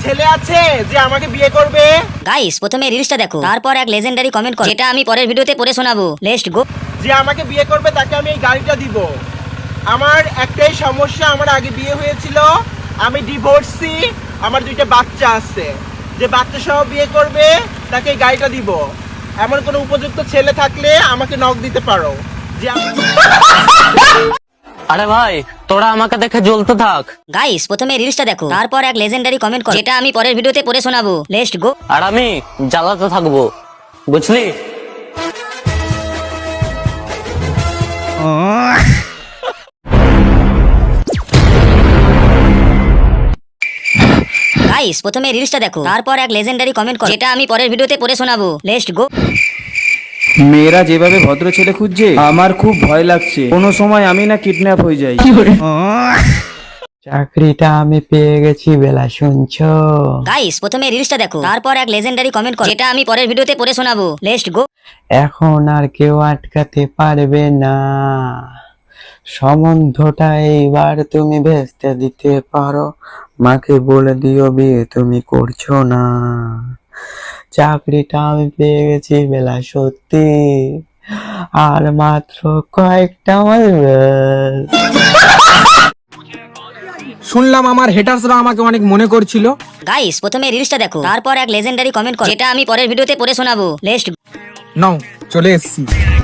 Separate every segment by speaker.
Speaker 1: ছেলে আছে যে আমাকে বিয়ে করবে?
Speaker 2: গাইস প্রথমে রিলসটা দেখো, তারপর এক লেজেন্ডারি কমেন্ট করো, যেটা আমি পরের ভিডিওতে পড়ে শোনাবো। Let's go.
Speaker 1: যে আমাকে বিয়ে করবে তাকে আমি এই গাড়িটা দিব। আমার একটাই সমস্যা, আমার আগে বিয়ে হয়েছিল, আমি ডিভোর্সি, আমার 2টা বাচ্চা আছে। যে বাচ্চা সহ বিয়ে করবে তাকে এই গাড়িটা দিব। এমন কোনো উপযুক্ত ছেলে থাকলে আমাকে নক দিতে পারো। যে
Speaker 3: আরে ভাই তোরা আমাকে দেখে জ্বলতে থাক।
Speaker 2: গাইস প্রথমে রিলসটা দেখো, তারপর এক লেজেন্ডারি কমেন্ট করো, যেটা আমি পরের ভিডিওতে পড়ে শোনাবো। লেটস গো।
Speaker 3: আর আমি জ্বালাতে থাকবো, বুঝলি?
Speaker 2: গাইস প্রথমে রিলসটা দেখো, তারপর এক লেজেন্ডারি কমেন্ট করো, যেটা আমি পরের ভিডিওতে পড়ে শোনাবো। Let's go.
Speaker 4: মেয়েরা যেভাবে ভদ্র ছেলে খুঁজছে আমার খুব ভয় লাগছে, কোনো সময় আমি না কিডন্যাপ হয়ে যাই।
Speaker 5: চাকরিটা আমি পেয়ে গেছি বেলা, শুনছো?
Speaker 2: গাইস প্রথমে রিলসটা দেখো, তারপর এক লেজেন্ডারি কমেন্ট করো, যেটা আমি পরের ভিডিওতে পড়ে শোনাবো। Let's go.
Speaker 5: এখন আর কেউ আটকাতে পারবে না, সম্বন্ধটা এইবার তুমি ভেস্তে দিতে পারো, মাকে বলে দিও বিয়ে তুমি করছো না। চাকরিটা আমি পেয়ে গেছি বেলা, সত্যি, আর মাত্র কয়েকটা মাস।
Speaker 6: শুনলাম আমার হেটার্সরা আমাকে অনেক মনে করছিল।
Speaker 2: গাইস প্রথমে রিলসটা দেখো, তারপর এক লেজেন্ডারি কমেন্ট করো, যেটা আমি পরের ভিডিওতে পড়ে শোনাবো। লেটস গো।
Speaker 6: নাও চলে এসছি।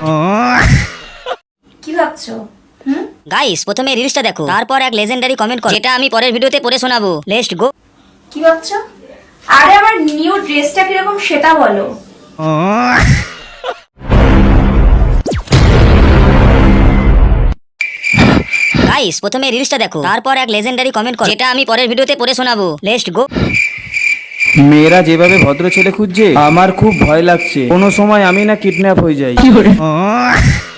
Speaker 7: কি ভাবছো?
Speaker 2: গাইস প্রথমে রিলসটা দেখো, তারপর এক লেজেন্ডারি কমেন্ট করো, যেটা আমি পরের ভিডিওতে পড়ে শোনাবো। Let's go.
Speaker 7: কি ভাবছো? আরে আমার নিউ ড্রেসটা কিরকম সেটা বলো।
Speaker 2: গাইস প্রথমে রিলসটা দেখো, তারপর এক লেজেন্ডারি কমেন্ট করো, যেটা আমি পরের ভিডিওতে পড়ে শোনাবো। Let's go.
Speaker 4: মেয়েরা যেভাবে ভদ্র ছেলে খুঁজছে আমার খুব ভয় লাগছে, কোনো সময় আমি না কিডন্যাপ হয়ে যাই।